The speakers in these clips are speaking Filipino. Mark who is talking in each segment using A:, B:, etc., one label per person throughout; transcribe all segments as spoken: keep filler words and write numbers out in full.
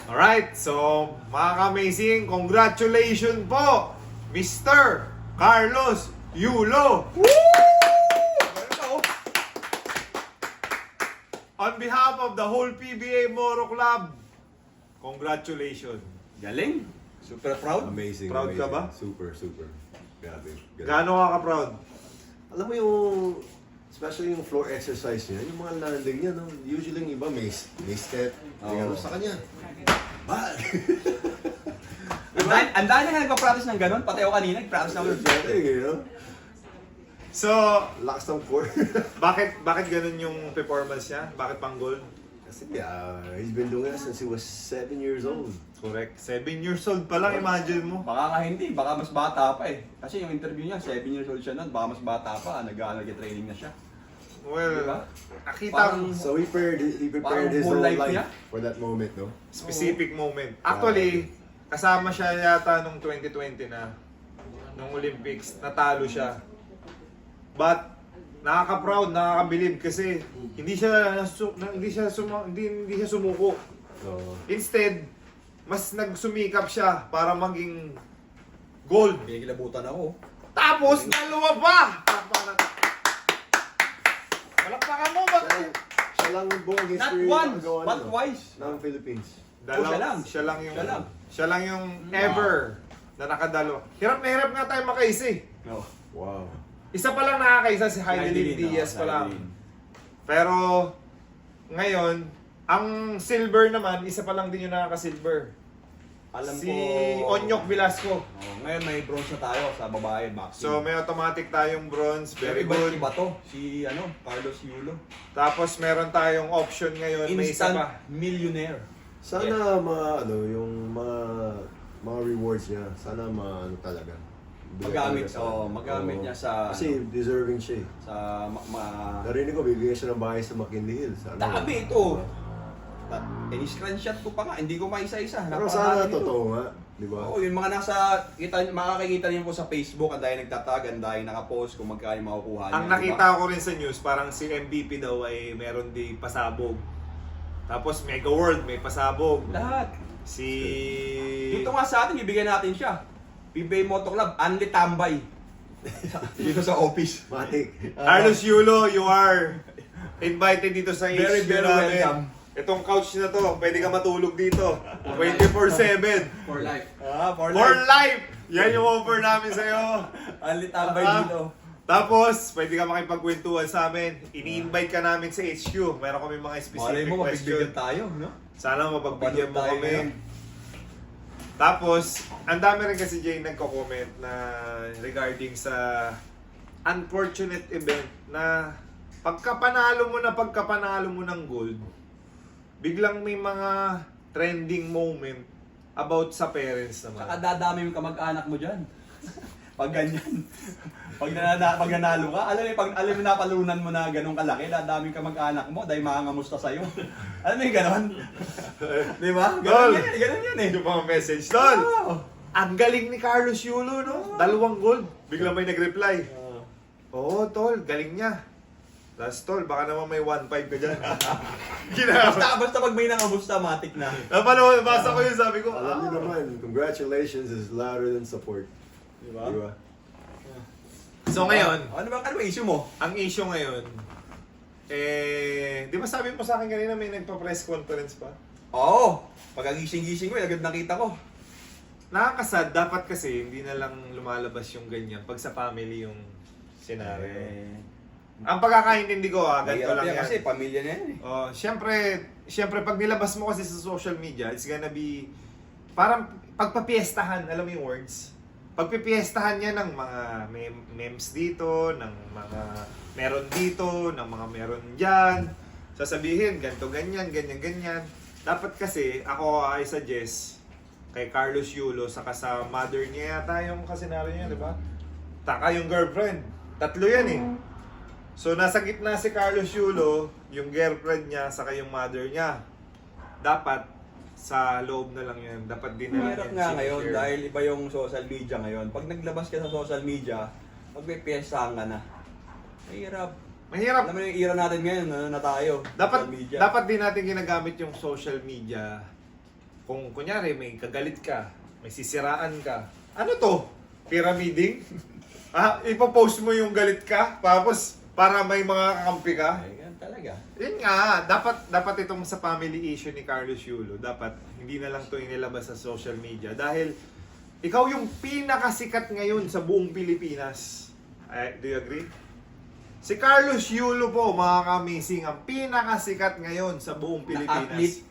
A: Alright, so mga ka-amazing, congratulations po, Mister Carlos Yulo! On behalf of the whole P B A Moro Club, congratulations.
B: Galing. Super proud.
C: Amazing.
A: Proud ka
C: amazing.
A: ba?
C: Super, super. Grabe. grabe.
A: Gaano ka ka-proud?
C: Alam mo yung, especially yung floor exercise niya, yung mga landing niya, no? Usually yung iba may, may step.
B: Oo.
C: May ano sa kanya. Ba?
B: Ang dami- Ang dami na nagpa-practice ng ganun. Pati ako kanina, nag-practice na ako ng
C: Exactly, you know?
A: So,
C: Lakas ng core.
A: bakit bakit ganun yung performance niya? Bakit pang gold?
C: Kasi yeah, he's been doing it since he was seven years old.
A: Correct. Seven years old pa lang, imagine mo.
B: Baka nga hindi, baka mas bata pa eh. Kasi yung interview niya, seven years old siya nun, baka mas bata pa, nag-training na siya.
A: Well,
B: Diba?
A: nakita
B: Parang-
A: mo
C: So he prepared, he prepared
B: Parang
C: his
B: whole
C: whole
B: life
C: life,
B: niya?
C: for that moment, no?
A: specific moment. Actually, kasama siya yata nung twenty twenty na, nung Olympics, natalo siya. But, nakaka-proud, nakaka-believe kasi hindi siya nasu- na- hindi siya suma, hindi, hindi siya sumuko.
C: So,
A: Instead, mas nagsumikap siya para maging gold.
B: Pinikilabutan ako.
A: Tapos, dalawa pa! Palakpakan. Palakpakan mo,
C: siya,
A: bakit?
C: siya lang yung buong
B: Not
C: history
B: once,
C: nakagawa
B: but
C: niya, no?
B: twice.
C: ng Philippines.
A: Dalawa,
B: siya lang.
A: Siya lang yung,
B: Siya lang.
A: siya lang yung ever na nakadalawa. Hirap na hirap nga tayo makaisa eh.
B: No.
C: Wow.
A: Isa pa lang nakakaisa si Heidelin
B: Heidelin,
A: Diaz
B: oh,
A: pa lang.
B: Heidelin.
A: Pero, ngayon, ang silver naman, isa pa lang din yung nakaka-silver.
B: Alam
A: Si
B: ko...
A: Onyok Velasco.
B: Oh, ngayon may bronze na tayo sa babae, boxing.
A: So, may automatic tayong bronze. Very
B: Pero iba-
A: good.
B: Iba to, si ano, Carlos Yulo.
A: Tapos, meron tayong option ngayon. May isa
B: Instant
A: pa.
B: millionaire.
C: Sana mga ano yung mga mga rewards niya, sana ma ano talaga.
B: Magamit,
C: Talaga sa-
B: oh, magamit
C: Oo.
B: niya sa-
C: kasi deserving siya. eh.
B: Sa ma... ma-
C: Narinig ko bibigyan siya ng bahay sa McKinley Hills. Ano?
B: Dami ito. Ta- eh, screenshot ko pa nga, hindi ko maisa-isa.
C: Pero
B: Napakadami
C: sana
B: nito.
C: totoo nga, di ba?
B: Oo, yung mga nasa, kita, makakikita niyo po sa Facebook, ang dahil nagtatag, ang dahil nakapost kung magkano yung makukuha niya.
A: Ang
B: di ba?
A: nakita ko rin sa news, parang si M V P daw ay meron di pasabog. Tapos Mega World may pasabog.
B: Lahat.
A: Si...
B: Dito nga sa atin, bibigyan natin siya. P B A Moto Club, Anli Tambay. Dito sa office.
C: Matik.
A: Carlos Yulo, you are invited dito sa
B: Very,
A: H Q
B: very
A: namin.
B: welcome.
A: Itong couch na to, pwede ka matulog dito. twenty-four seven.
B: For life. Ah, for,
A: For
B: life.
A: life! Yan yung offer namin sa'yo.
B: Anli Tambay
A: Ah,
B: dito.
A: Tapos, pwede ka makipagkwentuhan sa amin. Ini-invite ka namin sa H Q. Meron kami mga
B: Malay
A: specific
B: mo,
A: question.
B: mapigbigyan tayo, no?
A: Sana mapagbigyan mo
B: Mapanood tayo
A: kami.
B: ngayon.
A: Tapos, ang dami rin kasi Jay nagko-comment na regarding sa unfortunate event na pagkapanalo mo na pagkapanalo mo ng gold, biglang may mga trending moment about sa parents naman.
B: Saka dadami yung kamag-anak mo dyan. Pag ganyan. Pag, nanana, pag nanalo ka, alam mo, pag alam mo napalunan mo na ganun kalaki, dadami ka mag-anak mo dahil makangamusta sa'yo. Alam mo yung ganon? Di ba?
A: Tol!
B: Ganon yan, eh, ganon yan eh.
A: Yung mga message, Tol!
B: Oo.
A: Ang galing ni Carlos Yulo, no? Dalawang gold. Biglang may nag-reply. Oo, Tol, galing niya. Last Tol, baka naman may one five ka dyan. Ginawa.
B: Basta, basta pag may nangamusta, matik na.
A: Napanood, basa ko yun, sabi ko,
C: Alam niyo
A: ah.
C: naman, congratulations is louder than support.
B: Di ba?
C: Di ba?
A: So ngayon,
B: Ano ba, ano ba issue mo?
A: ang issue ngayon, eh, di ba sabi mo sa akin kanina may nagpa-press conference pa?
B: Oo. Pagkagising-gising ko, eh, agad nakita ko.
A: Nakakasad, dapat kasi hindi na lang lumalabas yung ganyan pag sa family yung scenario.
B: Eh,
A: Ang pagkakaintindi ko, ah, ganito
B: mahirap
A: lang
B: yan
A: yan.
B: kasi pamilya na yan eh.
A: Oh, syempre, syempre pag nilabas mo kasi sa social media, it's gonna be parang pagpapiestahan, alam mo yung words? Pagpipiestahan niya ng mga mem- memes dito, ng mga meron dito, ng mga meron diyan. Sasabihin ganto ganyan, ganyan ganyan. Dapat kasi ako I suggest kay Carlos Yulo saka sa mother niya yata yung kasenaryo niya, di ba? Taka yung girlfriend. Tatlo yan eh. So, nasa gitna si Carlos Yulo, yung girlfriend niya, saka yung mother niya. Dapat, sa loob na lang yun. Dapat din na lang
B: Mahirap
A: yan
B: nga ngayon
A: sinishare.
B: dahil iba yung social media ngayon. Pag naglabas ka sa social media, pag may piyestahan ka na. Mahirap.
A: Mahirap.
B: Alam mo yung era natin ngayon, ano na tayo?
A: Dapat,
B: social media.
A: dapat din natin ginagamit yung social media kung kunyari may kagalit ka, may sisiraan ka, ano to? Pyramiding? Ah, ipopost mo yung galit ka, tapos para may mga kakampi ka?
B: Ay, ganun talaga.
A: Yun nga, dapat dapat itong sa family issue ni Carlos Yulo, dapat hindi na lang ito inilabas sa social media dahil ikaw yung pinakasikat ngayon sa buong Pilipinas. Ay, do you agree? Si Carlos Yulo po, mga kamising, ang pinakasikat ngayon sa buong
B: Na
A: Pilipinas.
B: athlete?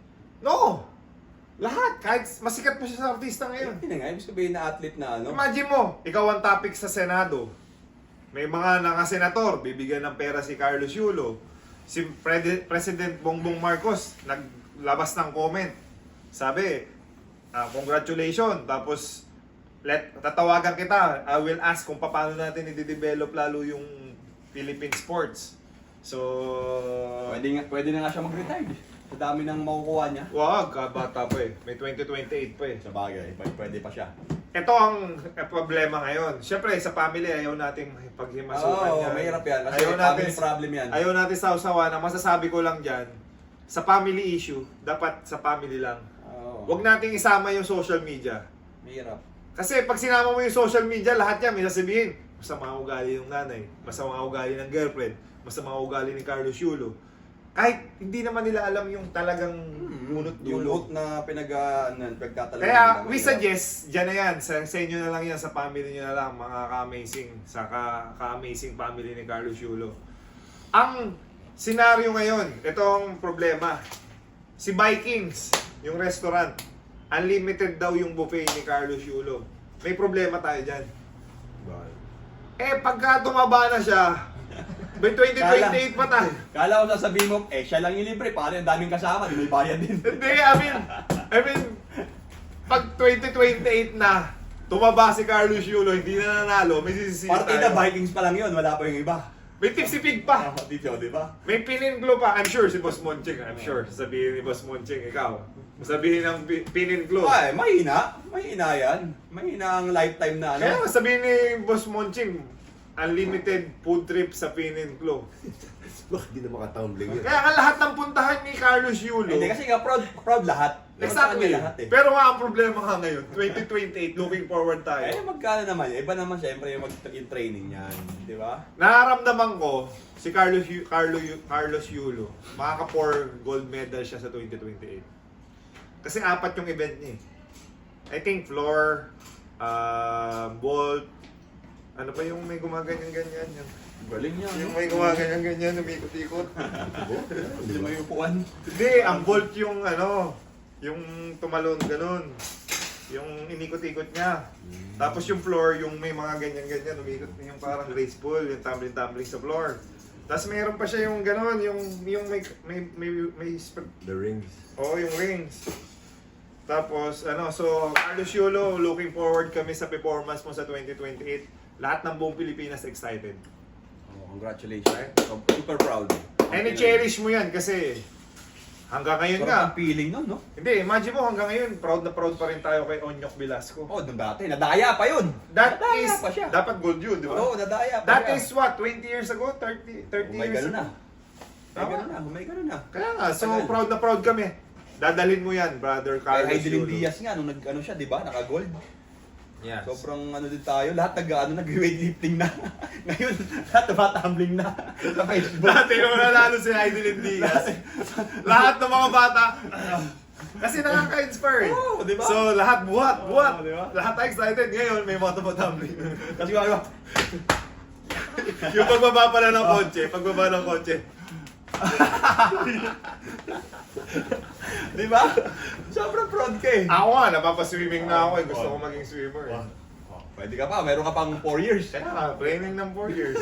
A: No! Lahat, kahit masikat pa siya sa artista ngayon.
B: Yun nga, ibig sabihin na athlete na ano.
A: Imagine mo, ikaw ang topic sa Senado. May mga nakasenator, bibigyan ng pera si Carlos Yulo. Si Pre- President Bongbong Marcos, naglabas ng comment. Sabi, ah, congratulations, tapos let, tatawagan kita. I will ask kung paano natin i-develop lalo yung Philippine sports. So,
B: Pwede, nga, pwede na nga siya mag-retire. Sa dami ng makukuha niya.
A: wag, bata pa eh. May twenty twenty-eight pa eh.
B: Sa bagay, pwede pa siya.
A: Ito ang eh, problema ngayon. Siyempre, sa family, ayaw nating paghimasukan
B: Oo,
A: yan.
B: mahirap yan. Kasi
A: Ayaw natin,
B: family problem yan.
A: ayaw natin sausawan. Ang masasabi ko lang dyan, sa family issue, dapat sa family lang.
B: Oo.
A: Huwag nating isama yung social media.
B: Mahirap.
A: Kasi pag sinama mo yung social media, lahat yan may sasabihin. Masama ugali ng nanay, masama ugali ng girlfriend, masama ugali ni Carlos Yulo. Kahit hindi naman nila alam yung talagang munot
B: Yung
A: dulo.
B: root na pinag, uh, pinagtatalaga.
A: Kaya
B: nila,
A: we
B: mahirap.
A: suggest, dyan na yan, sa, sa inyo na lang yan, sa family nyo na lang, mga ka-amazing, sa ka- ka-amazing family ni Carlos Yulo. Ang senaryo ngayon, ito ang problema. Si Vikings, yung restaurant, unlimited daw yung buffet ni Carlos Yulo. May problema tayo dyan.
C: Bakit?
A: Eh, pagka tumaba na siya, by twenty twenty-eight pa tayo.
B: Kala ko sasabihin mo, eh siya lang yung libre, paano yung daming kasama, di may bayad din.
A: Hindi, I mean, I mean, pag twenty twenty-eight na, tumaba si Carlos Yulo, hindi na nanalo, may sisisi
B: Partida
A: tayo.
B: Vikings pa lang yun, wala pa yung iba.
A: May tipsipig pa.
B: Ah, dito, di ba?
A: May pininklo pa. I'm sure si Boss Monching. I'm sure. Sabihin ni Boss Monching, ikaw. Sabihin ng pi- pininklo.
B: Ay, mahina. Mahina yan. Mahina ang lifetime na ano.
A: Kaya nga sabihin ni Boss Monching, unlimited food trip sa pininklo.
C: Bakit di na makatumbling yun?
A: Kaya nga lahat ng puntahan ni Carlos Yulo.
B: Hindi kasi nga proud, proud lahat. Proud
A: Exactly.
B: kami lahat eh.
A: Pero nga ang problema nga ngayon, twenty twenty-eight, looking forward
B: Eh,
A: tayo.
B: magkano naman yun? Iba naman siyempre yung, mag- yung training yan. Di ba?
A: Nararamdaman ko, si Carlos, Yu- Carlo, Yu- Carlos Yulo, makaka-four gold medal siya sa twenty twenty-eight. Kasi apat yung event niya eh. I think floor, uh, vault, ano pa yung may gumaganyan-ganyan? Yung,
B: Galing niya.
A: yung may gumaganyan-ganyan, umikot-ikot.
B: Hindi may upuan.
A: Hindi, ang vault yung ano, yung tumalon ganun. Yung inikot-ikot niya. Tapos yung floor, yung may mga ganyan-ganyan, umikot yung parang graceful, yung tumbling-tumbling sa floor. Tapos mayroon pa siya yung ganun, yung, yung may, may, may, may, sp-
C: The rings.
A: Oo, yung rings. Tapos, ano, so, Carlos Yulo, looking forward kami sa performance mo sa twenty twenty-eight. Lahat ng buong Pilipinas excited.
B: Oh, congratulations. Super proud.
A: And i-cherish mo yan kasi hanggang ngayon
B: Parang
A: nga.
B: ang feeling nun, no?
A: Hindi, imagine mo hanggang ngayon, proud na proud pa rin tayo kay Onyok Velasco.
B: Oh, nung dati, nadaya pa yun.
A: That
B: nadaya
A: is,
B: pa siya.
A: dapat gold yun, di ba?
B: Oo, nadaya pa
A: That
B: siya.
A: is what, twenty years ago? thirty, thirty
B: May
A: years
B: ganun
A: ago?
B: na. May
A: Tama.
B: ganun na, may ganun na.
A: Kaya nga, so
B: Tagal.
A: proud na proud kami. Dadalhin mo yan, brother
B: Kay
A: Carlos
B: Heidelin
A: Yulo.
B: Diaz nga, nung nag-ano siya, di ba? Naka-gold.
A: Yes.
B: Sobrang ano din tayo, lahat nag ano, nag-weightlifting na. Ngayon, lahat tumatumbling na sa Facebook.
A: Dati nung nanalo si Heidelin Diaz, lahat ng mga bata, kasi nakaka-inspire eh.
B: Oo, di ba?
A: So lahat buhat, buhat.
B: Oo, di ba?
A: Lahat excited. Ngayon may mga tumatumbling.
B: Kasi ano,
A: Yung pagbaba pala ng kotse, pagbaba ng kotse.
B: di ba? Sobrang proud ka eh.
A: Ako nga, napapaswimming na ako eh. Gusto ko maging swimmer eh.
B: Oh, pwede ka pa, meron ka pang four years.
A: Kaya nga, training ng four years.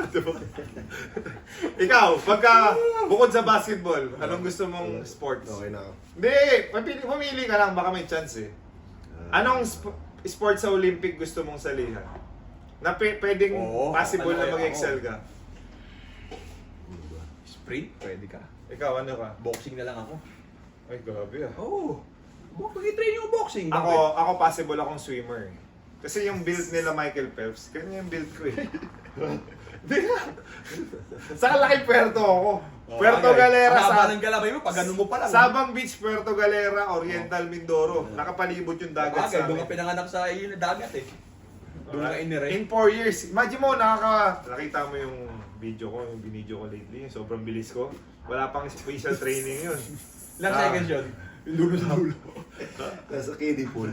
A: Ikaw, pagka bukod sa basketball, anong gusto mong sports?
C: Okay na ako.
A: Hindi, pumili, pumili ka lang, baka may chance eh. Anong sp- sports sa Olympic gusto mong salihan? Na pe- pwedeng
B: Oo,
A: possible
B: ano
A: na
B: kaya
A: mag-excel
B: ako?
A: ka?
B: Sprint, pwede ka.
A: Ikaw, ano ka?
B: Boxing na lang ako.
A: Ay, grabe ah.
B: Oo. Oh, pag-train yung boxing.
A: Ako, ako possible akong swimmer eh. Kasi yung build nila Michael Phelps, ganyan yung build ko eh. Sa kalaki Puerto ako. Puerto
B: Okay.
A: Galera
B: Ang haba
A: sa
B: ng galabay mo, pag ganun mo pa lang.
A: Sabang Beach, Puerto Galera, Oriental Mindoro. Nakapalibot yung dagat
B: Bagay,
A: sa
B: doon ka
A: amin.
B: pinanganak sa iyo na dagat eh. Doon ka inire.
A: In four years. Imagine mo, nakaka... Nakita mo yung video ko, yung binidyo ko lately. Sobrang bilis ko. Wala pang special training yun.
B: Ilang
A: Ah.
B: seconds yun? Yung dulo sa dulo.
C: Nasa kiddie pool.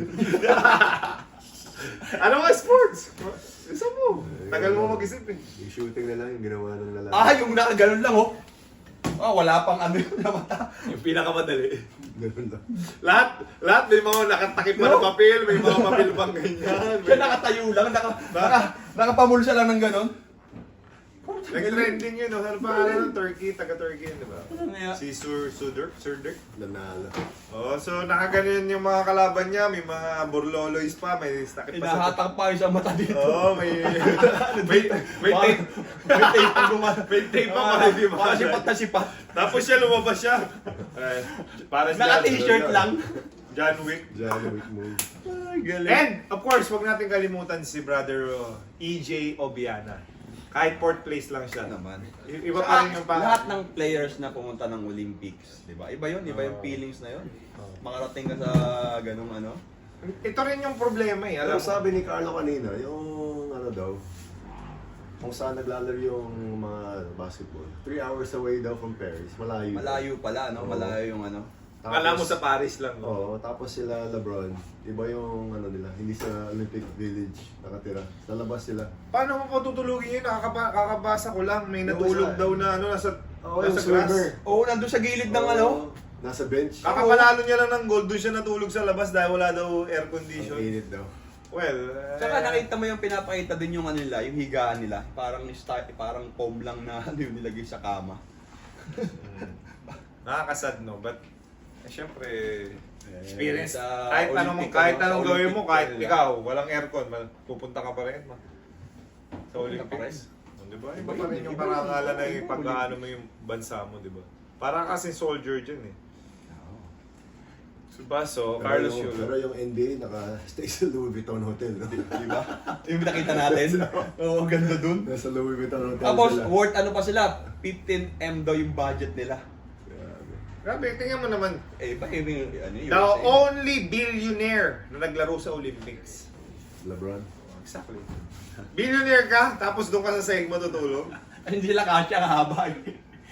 A: Ano nga sports? Isa mo. Tagal mo mag-isip eh.
C: Yung shooting na lang yung ginawa ng lalaki.
B: Ah, yung nakaganon lang oh. Ah, wala pang ano yun na mata.
A: Yung pinakamadali.
C: Ganun lang.
A: Lahat, lahat may mga nakatakip pa
B: No.
A: ng papel, may mga papel pang ganyan.
B: Siya nakatayo lang, naka, naka, nakapamulsa lang ng ganon.
A: Nag-trending yun, no? Ano pa ng Turkey, taga-Turkey yun, di ba?
B: Ano nga?
A: Si Sur Sudur, Surdur.
C: Nanalo.
A: Oh, so nakaganon yung mga kalaban niya, may mga burloloys pa, may takip pa sa...
B: Inahatak pa yung sa mata dito.
A: Oo, may... may, may tape.
B: May tape pang gumana.
A: May tape pa
B: Ah,
A: pala, di ba?
B: Para sipat na sipat.
A: Tapos siya, lumabas siya. Eh, para si
B: Naka-t-shirt lang.
A: John Wick.
C: John Wick move.
B: Ay, galing.
A: And, of course, wag natin kalimutan si brother uh, E J Obiana. Kahit fourth place lang siya.
B: naman.
A: I- Iba pa rin yung pa...
B: Lahat ng players na pumunta ng Olympics, di ba? Iba yun, iba yung
A: Oo.
B: feelings na yun.
A: Oo.
B: Makarating ka sa ganung ano.
A: Ito rin yung problema eh.
C: Alam
A: Alam mo,
C: sabi ni Carlo kanina, yung ano daw, kung saan naglalaro yung mga basketball. Three hours away daw from Paris. Malayo.
B: Malayo pala, no?
C: Oo.
B: Malayo yung ano.
A: akala mo sa Paris lang. No?
C: Oo, tapos sila LeBron. Iba yung ano nila, hindi sa Olympic Village nakatira. Sa labas sila.
A: Paano mo pa tutulugin yun? Nakakaba- kakabasa ko lang. May
C: Yung
A: natulog
C: isa-
A: daw na ano, nasa,
C: Oo, yung
A: nasa
C: swimmer.
A: grass.
B: Oo, nandun sa gilid ng
C: Oo,
B: ano.
C: Nasa bench.
A: Kakapanalo niya lang ng gold, doon siya natulog sa labas dahil wala daw air
C: Ang
A: condition.
C: init daw.
A: Well, eh,
B: Tsaka nakita mo yung pinapakita din yung ano nila, yung higaan nila. Parang start, parang foam lang na ano yung nilagay sa kama.
A: mm, nakakasad no, but eh, syempre experience.
B: sa
A: kahit anong
B: Olympic,
A: kahit
B: ano,
A: anong
B: sa
A: gawin mo,
B: Olympic
A: kahit
B: nila.
A: ikaw, walang aircon, mal- pupunta ka pa rin. Ma- sa
B: Pupunta pa
A: Olympics. Oh, di ba? Iba
B: Iba
A: pa rin
B: yun,
A: yung
B: iba
A: parangalan
B: yun.
A: na
B: Iba
A: yung
B: yun.
A: pag-ano mo yung bansa mo, di ba? Para kasi soldier dyan eh. Diba? So, Carlos
C: pero, yung, pero
A: Yulo.
C: yung N B A naka-stay sa Louis Vuitton Hotel. No?
B: Di ba? Yung nakita natin. Oo, ang ganda dun.
C: Nasa Louis Vuitton Hotel
B: Tapos,
C: sila.
B: worth ano pa sila? fifteen M daw yung budget nila.
C: Grabe.
A: Grabe, tingnan mo naman.
B: Eh, ba yung ano yun?
A: The only billionaire na naglaro sa Olympics.
C: LeBron.
A: Exactly. Billionaire ka, tapos doon ka sa sahig matutulog.
B: Ay, hindi sila kasya ang haba. eh.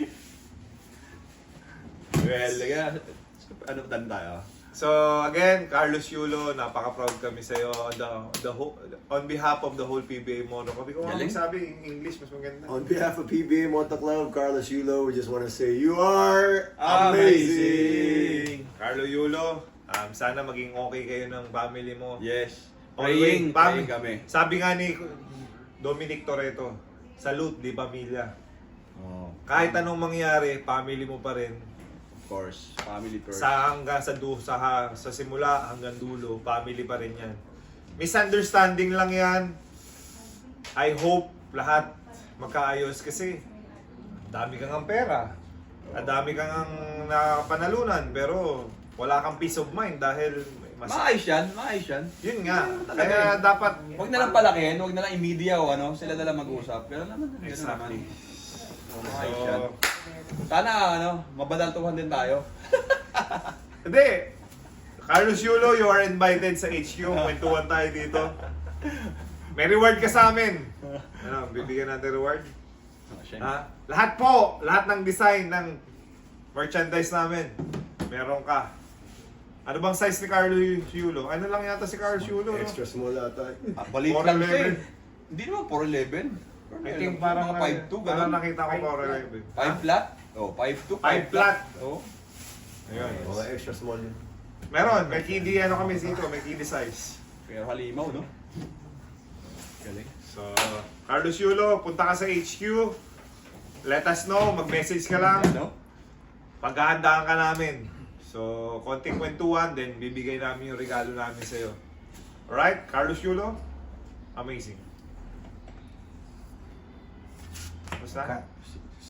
B: Well, kaya, ano dan tayo?
A: So again, Carlos Yulo, napaka-proud kami sa iyo on the, the whole, on behalf of the whole P B A Mono. Kasi kung
B: Galing.
A: ano sabi in English mas maganda.
C: On behalf of P B A Moto Club, Carlos Yulo, we just want to say you are amazing.
A: Carlo Yulo, um, sana maging okay kayo ng family mo.
B: Yes.
A: Always,
B: Praying, praying kami.
A: Sabi nga ni Dominic Toretto, salute di pamilya.
B: Oh,
A: Kahit anong mangyari, family mo pa rin.
B: of course, family first.
A: Sa hanggang sa du sa ha- sa simula hanggang dulo, family pa rin 'yan. Misunderstanding lang 'yan. I hope lahat magkaayos kasi dami kang ang pera. At dami kang ang nakapanalunan pero wala kang peace of mind dahil mas
B: Maayos yan, maayos yan.
A: yun nga.
B: Talaga
A: Kaya
B: eh.
A: dapat
B: Huwag na lang palakihin, huwag na lang i-media o ano, sila na lang mag-usap. Pero naman, ganun
A: Exactly.
B: naman. Oh, maayos yan.
A: So,
B: Sana ano, mabalantuhan din tayo.
A: hindi. Carlos Yulo, you are invited sa H Q. Kwentuhan tayo dito. May reward ka sa amin. Ano, bibigyan natin reward?
B: Oh, syempre.
A: Ha? Lahat po, lahat ng design ng merchandise namin, meron ka. Ano bang size ni Carlo Yulo? Ano lang yata si Carlos Yulo, no?
C: Extra small ata.
B: Ah, balit
A: four
B: lang siya
A: eleven.
B: eh. Hindi naman four eleven.
A: I think parang
B: mga five two,
A: parang
B: ganun.
A: nakita ko four eleven.
B: five flat? Oh, five two,
A: Five flat.
B: Oh.
A: Ayun.
C: Mga extra small yun.
A: Meron, may kiddy ano kami dito, may kiddy size.
B: Pero halimaw, no? Galing.
A: So, Carlos Yulo, punta ka sa H Q. Let us know, mag-message ka lang.
B: Ano?
A: Paghahandaan ka namin. So, konting kwentuhan, then bibigay namin yung regalo namin sa'yo. Alright, Carlos Yulo, amazing. Basta?